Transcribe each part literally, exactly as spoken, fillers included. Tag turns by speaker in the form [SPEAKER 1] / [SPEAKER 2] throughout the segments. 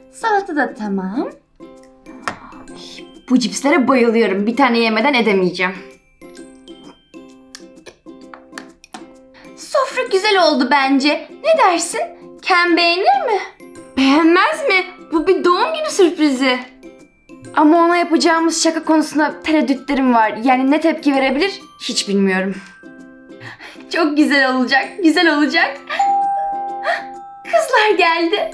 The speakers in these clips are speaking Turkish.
[SPEAKER 1] Salata da tamam. Bu cipslere bayılıyorum. Bir tane yemeden edemeyeceğim. Sofra güzel oldu bence. Ne dersin? Ken beğenir mi? Beğenmez mi? Bu bir doğum günü sürprizi. Ama ona yapacağımız şaka konusunda tereddütlerim var. Yani ne tepki verebilir hiç bilmiyorum. Çok güzel olacak, güzel olacak. Kızlar geldi.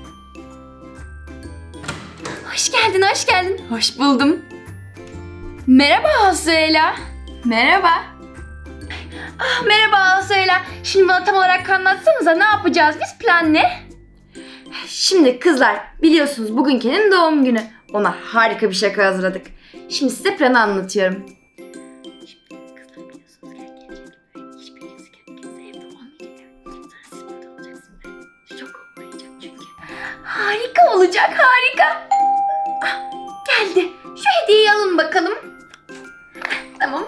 [SPEAKER 1] Hoş geldin, hoş geldin. Hoş buldum. Merhaba Asuela. Merhaba. Ah, merhaba Asuela. Şimdi bana tam olarak anlatsanıza, ne yapacağız biz, plan ne? Şimdi kızlar, biliyorsunuz bugün Ken'in doğum günü. Ona harika bir şaka hazırladık. Şimdi size planı anlatıyorum. Şimdi kızlar, biliyorsunuz Ken gelecek. Hiçbiriniz kimse evde olmayacak. Sonra siz burada olacaksınız. Şok olmayacak çünkü. Harika olacak, harika. Ah, geldi. Şu hediyeyi alın bakalım. Tamam.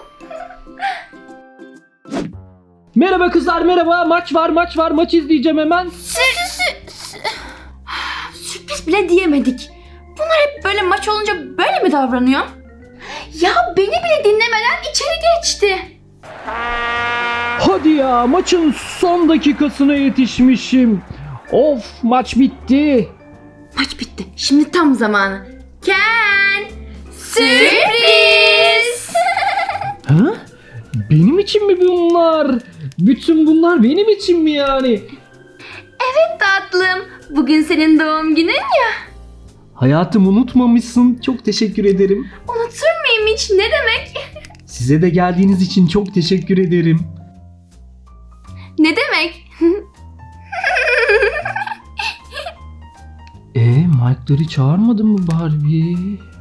[SPEAKER 2] Merhaba kızlar, merhaba. Maç var, maç var. Maç izleyeceğim hemen.
[SPEAKER 1] Sürpriz bile diyemedik. Bunlar hep böyle maç olunca böyle mi davranıyor? Ya beni bile dinlemeden içeri geçti.
[SPEAKER 2] Hadi ya, maçın son dakikasına yetişmişim. Of, maç bitti.
[SPEAKER 1] Maç bitti. Şimdi tam zamanı. Ken! Sürpriz!
[SPEAKER 2] Ha? Benim için mi bunlar? Bütün bunlar benim için mi yani?
[SPEAKER 1] Evet tatlım. Bugün senin doğum günün ya.
[SPEAKER 2] Hayatım, unutmamışsın. Çok teşekkür ederim.
[SPEAKER 1] Unutur muyum hiç? Ne demek?
[SPEAKER 2] Size de geldiğiniz için çok teşekkür ederim.
[SPEAKER 1] Ne demek?
[SPEAKER 2] E, Mike'ları çağırmadın mı Barbie?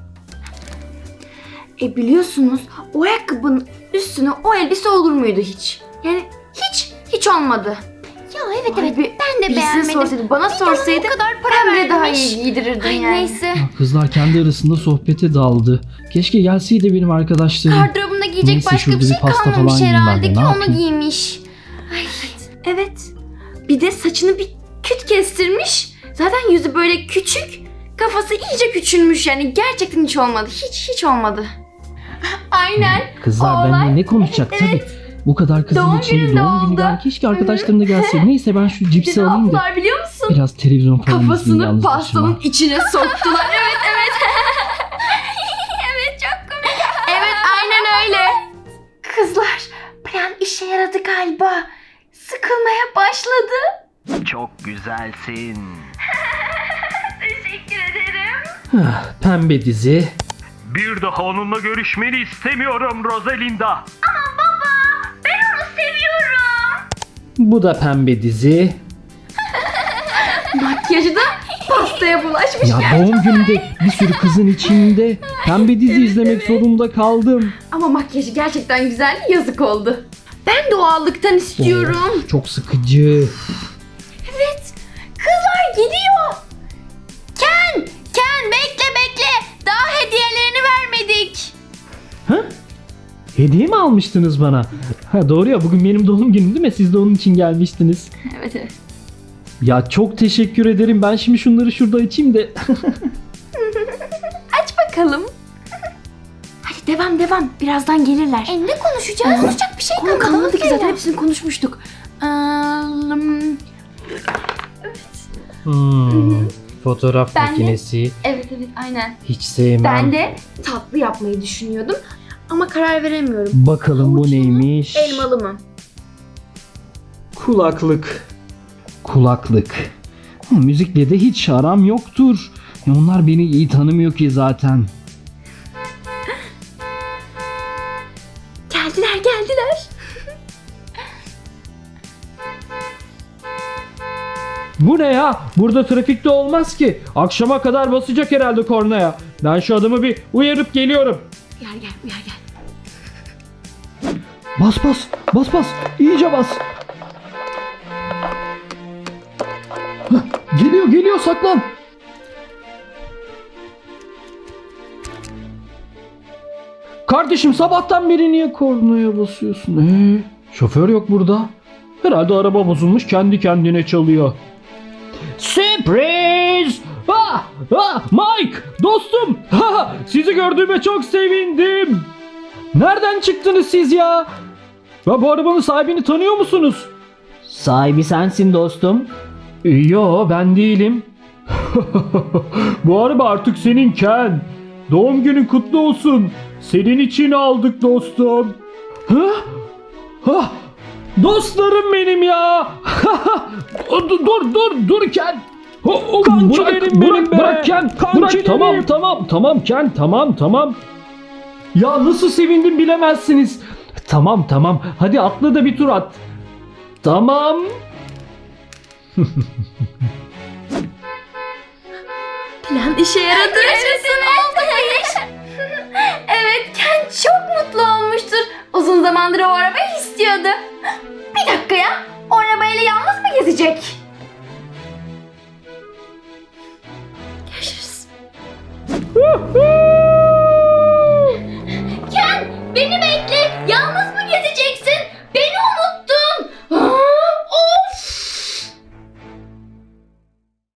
[SPEAKER 1] E biliyorsunuz o ayakkabının üstüne o elbise olur muydu hiç? Yani hiç, hiç olmadı.
[SPEAKER 3] Ya evet
[SPEAKER 1] Vay
[SPEAKER 3] evet
[SPEAKER 1] be,
[SPEAKER 3] ben de
[SPEAKER 1] birisine
[SPEAKER 3] beğenmedim.
[SPEAKER 1] sorsaydı, bana
[SPEAKER 3] Bir de
[SPEAKER 1] sorsaydı
[SPEAKER 3] ona o kadar para
[SPEAKER 1] ben bile daha
[SPEAKER 3] vermiş.
[SPEAKER 1] iyi giydirirdin
[SPEAKER 3] Ay
[SPEAKER 1] yani.
[SPEAKER 3] neyse.
[SPEAKER 2] Kızlar kendi arasında sohbete daldı. Keşke gelseydi benim arkadaşlarım.
[SPEAKER 3] Gardırobunda giyecek
[SPEAKER 2] Neyse,
[SPEAKER 3] başka
[SPEAKER 2] şurada
[SPEAKER 3] bir şey
[SPEAKER 2] bir pasta
[SPEAKER 3] kalmamış
[SPEAKER 2] falan yiyeyim ben
[SPEAKER 3] herhalde
[SPEAKER 2] de,
[SPEAKER 3] ki
[SPEAKER 2] ne
[SPEAKER 3] onu
[SPEAKER 2] yapayım?
[SPEAKER 3] giymiş.
[SPEAKER 1] Evet. Bir de saçını bir küt kestirmiş. Zaten yüzü böyle küçük. Kafası iyice küçülmüş yani. Gerçekten hiç olmadı. Hiç hiç olmadı. Aynen.
[SPEAKER 2] Kızlar
[SPEAKER 1] Olay-
[SPEAKER 2] benimle ne konuşacak
[SPEAKER 1] Evet.
[SPEAKER 2] tabii. Bu kadar kızın
[SPEAKER 1] Doğum
[SPEAKER 2] içinde
[SPEAKER 1] gününde
[SPEAKER 2] doğum günü
[SPEAKER 1] oldu.
[SPEAKER 2] gel. Keşke arkadaşlarım da gelseydi. Neyse ben şu
[SPEAKER 1] Bir
[SPEAKER 2] cipsi
[SPEAKER 1] de ne
[SPEAKER 2] alayım da
[SPEAKER 1] yaptılar biliyor musun?
[SPEAKER 2] biraz televizyon falan izleyeyim
[SPEAKER 1] Kafasını
[SPEAKER 2] yalnız
[SPEAKER 1] pastanın
[SPEAKER 2] başıma.
[SPEAKER 1] içine soktular. Evet evet. Evet çok komik. Evet aynen öyle. Kızlar, plan işe yaradı galiba. Sıkılmaya başladı.
[SPEAKER 4] Çok güzelsin.
[SPEAKER 1] Teşekkür ederim.
[SPEAKER 2] Ah, pembe dizi.
[SPEAKER 4] Bir daha onunla görüşmeni istemiyorum Rosalinda.
[SPEAKER 1] Ben onu seviyorum.
[SPEAKER 2] Bu da pembe dizi.
[SPEAKER 1] Makyajı da pastaya bulaşmış.
[SPEAKER 2] Ya doğum gününde bir sürü kızın içinde pembe dizi izlemek zorunda kaldım.
[SPEAKER 1] Ama makyajı gerçekten güzeldi, yazık oldu. Ben doğallıktan istiyorum.
[SPEAKER 2] Of, çok sıkıcı.
[SPEAKER 1] Evet. Kızlar gidiyor. Ken, Ken bekle bekle. Daha hediyelerini vermedik.
[SPEAKER 2] Ha? Hediye mi almıştınız bana? Ha, doğru ya, bugün benim doğum günüm değil mi? Siz de onun için gelmiştiniz.
[SPEAKER 1] Evet evet.
[SPEAKER 2] Ya çok teşekkür ederim. Ben şimdi şunları şurada açayım da.
[SPEAKER 1] Aç bakalım. Hadi devam devam. Birazdan gelirler.
[SPEAKER 3] E ne konuşacağız? Konuşacak bir şey
[SPEAKER 1] Konu
[SPEAKER 3] kalmadı.
[SPEAKER 1] kalmadı ki
[SPEAKER 3] Söyle.
[SPEAKER 1] zaten, hepsini konuşmuştuk. Ee, hmm,
[SPEAKER 2] Hmm, fotoğraf
[SPEAKER 1] Ben de-
[SPEAKER 2] makinesi.
[SPEAKER 1] evet evet aynen.
[SPEAKER 2] Hiç sevmem.
[SPEAKER 1] Ben de tatlı yapmayı düşünüyordum. Ama karar veremiyorum.
[SPEAKER 2] Bakalım bu
[SPEAKER 1] Havuçlu mu,
[SPEAKER 2] neymiş?
[SPEAKER 1] Elmalı mı?
[SPEAKER 2] Kulaklık. Kulaklık. Hı, müzikle de hiç aram yoktur. Ya onlar beni iyi tanımıyor ki zaten.
[SPEAKER 1] Geldiler geldiler.
[SPEAKER 2] Bu ne ya? Burada trafikte olmaz ki. Akşama kadar basacak herhalde kornaya. Ben şu adamı bir uyarıp geliyorum.
[SPEAKER 1] Gel gel uyar gel.
[SPEAKER 2] Bas bas. Bas bas. İyice bas. Hah, geliyor geliyor, saklan. Kardeşim, sabahtan beri niye kornaya basıyorsun? Ee, şoför yok burada. Herhalde araba bozulmuş, kendi kendine çalıyor. Sürpriz! Ah! Ah, Mike! Dostum! Ha, sizi gördüğüme çok sevindim. Nereden çıktınız siz ya? Ya bu arabanın sahibini tanıyor musunuz?
[SPEAKER 5] Sahibi sensin dostum.
[SPEAKER 2] Yo, ben değilim. Bu araba artık senin Ken. Doğum günün kutlu olsun. Senin için aldık dostum. Ha? Ha? Dostlarım benim ya. dur dur dur dur Ken. O, o,
[SPEAKER 5] Kankilerim
[SPEAKER 2] bırak,
[SPEAKER 5] benim
[SPEAKER 2] bırak,
[SPEAKER 5] be.
[SPEAKER 2] bırak Ken. Bırak,
[SPEAKER 5] Kankilerim.
[SPEAKER 2] tamam tamam tamam Ken, tamam tamam. Ya nasıl sevindim bilemezsiniz. Tamam tamam, hadi atla da bir tur at. Tamam.
[SPEAKER 1] Plan işe yaradı. Yaşasın oldu bu iş. Evet, Ken çok mutlu olmuştur. Uzun zamandır o arabayı istiyordu. Bir dakika ya. O arabayla yalnız mı gezecek? Görüşürüz. Ken, beni bekle. Yalnız